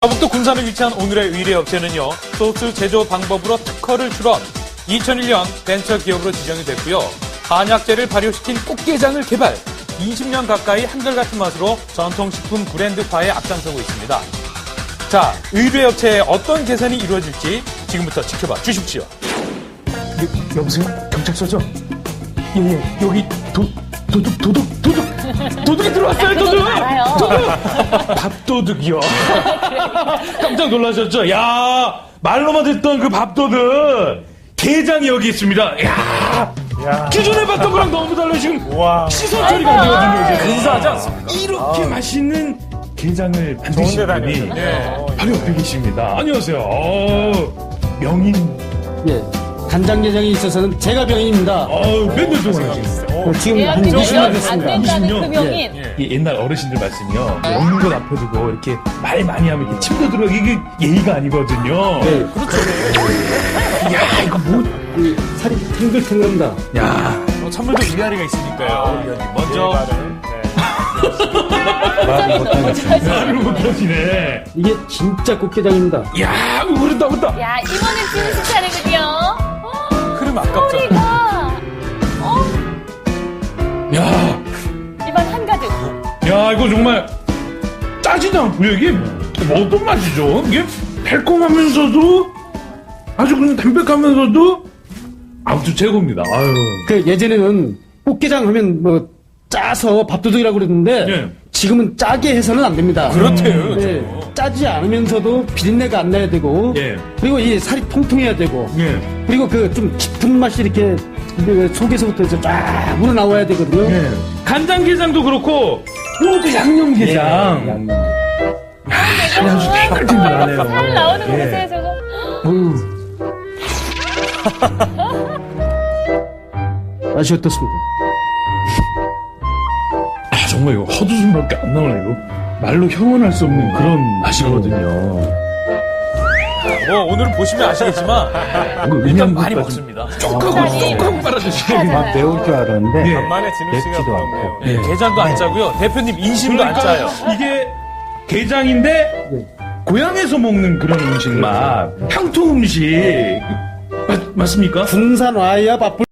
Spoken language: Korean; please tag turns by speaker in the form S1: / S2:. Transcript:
S1: 서북도 군산에 위치한 오늘의 의뢰 업체는요, 소스 제조 방법으로 특허를 출원, 2001년 벤처 기업으로 지정이 됐고요. 한약재를 발효시킨 꽃게장을 개발, 20년 가까이 한결같은 맛으로 전통식품 브랜드화에 앞장서고 있습니다. 자, 의뢰 업체에 어떤 계산이 이루어질지 지금부터 지켜봐 주십시오.
S2: 여보세요? 경찰서죠? 예, 여기 도둑이 들어왔어요, 도둑!
S3: 알아요.
S2: 밥도둑이요. 깜짝 놀라셨죠? 야, 말로만 듣던 그 밥도둑. 게장이 여기 있습니다. 야, 기존에 봤던 거랑 너무 달라요. 지금 시선 처리가 안 되거든요. 이제.
S1: 근사하지 않습니까?
S2: 이렇게 맛있는 게장을 만드신 분이 바로 옆에 계십니다. 안녕하세요. 명인.
S4: 예, 간장게장이 있어서는 제가 병인입니다.
S2: 몇 년 동안 하셨어요?
S4: 지금 한 20년 됐습니다.
S3: 안 된다는
S2: 20년?
S3: 그 명인.
S2: 이 옛날 어르신들 말씀이요. 먹는 것 앞에 두고 이렇게 말 많이 하면 이렇게 침도 들어가 이게 예의가 아니거든요.
S4: 네,
S1: 그렇죠.
S2: 야, 이거 뭐.
S4: 살이 탱글탱글합니다.
S2: 야.
S1: 찬물도 위아래가 있으니까요. 위원님. 먼저.
S2: 말을 못하시네.
S4: 이게 진짜 꽃게장입니다.
S2: 야, 그렇다.
S3: 야, 이번엔 진실 차례군요.
S1: 그럼 아깝잖아.
S3: 소리가.
S2: 야,
S3: 입안 한가득.
S2: 야, 이거 정말 짜지도 않고요. 이게 어떤 맛이죠? 이게 달콤하면서도 아주 그냥 담백하면서도 아무튼 최고입니다. 아유.
S4: 그 예전에는 꽃게장 하면 뭐 짜서 밥도둑이라고 그랬는데
S2: 예.
S4: 지금은 짜게 해서는 안 됩니다.
S1: 그렇대요.
S4: 네, 짜지 않으면서도 비린내가 안 나야 되고
S2: 예.
S4: 그리고 이 살이 통통해야 되고
S2: 예.
S4: 그리고 그 좀 깊은 맛이 이렇게 속에서부터 이제 쫙 우러나와야 되거든요.
S2: 예. 간장게장도 그렇고 요것도 양념게장. 아주 탱글탱글하네요.
S3: 살 나오는 거
S2: 예.
S3: 보세요, 저거.
S4: 맛이 어떻습니까?
S2: 아, 정말 이거 헛웃음밖에 안 나오네. 이거 말로 형언할 수 없는 그런 맛이거든요.
S1: 오늘은 보시면 아시겠지만, 일단 많이 먹습니다.
S2: 쪽하고 빨아주시고.
S3: 막
S5: 매울 줄 알았는데
S2: 예.
S1: 간만에 진우 씨가
S5: 맵지도
S1: 그렇네요.
S5: 않고.
S1: 예, 게장도 안 짜고요. 대표님 인심도 안 짜요.
S2: 이게 게장인데 고향에서 먹는 그런 음식 맛, 향토 음식 맞습니까?
S4: 군산 와야 밥을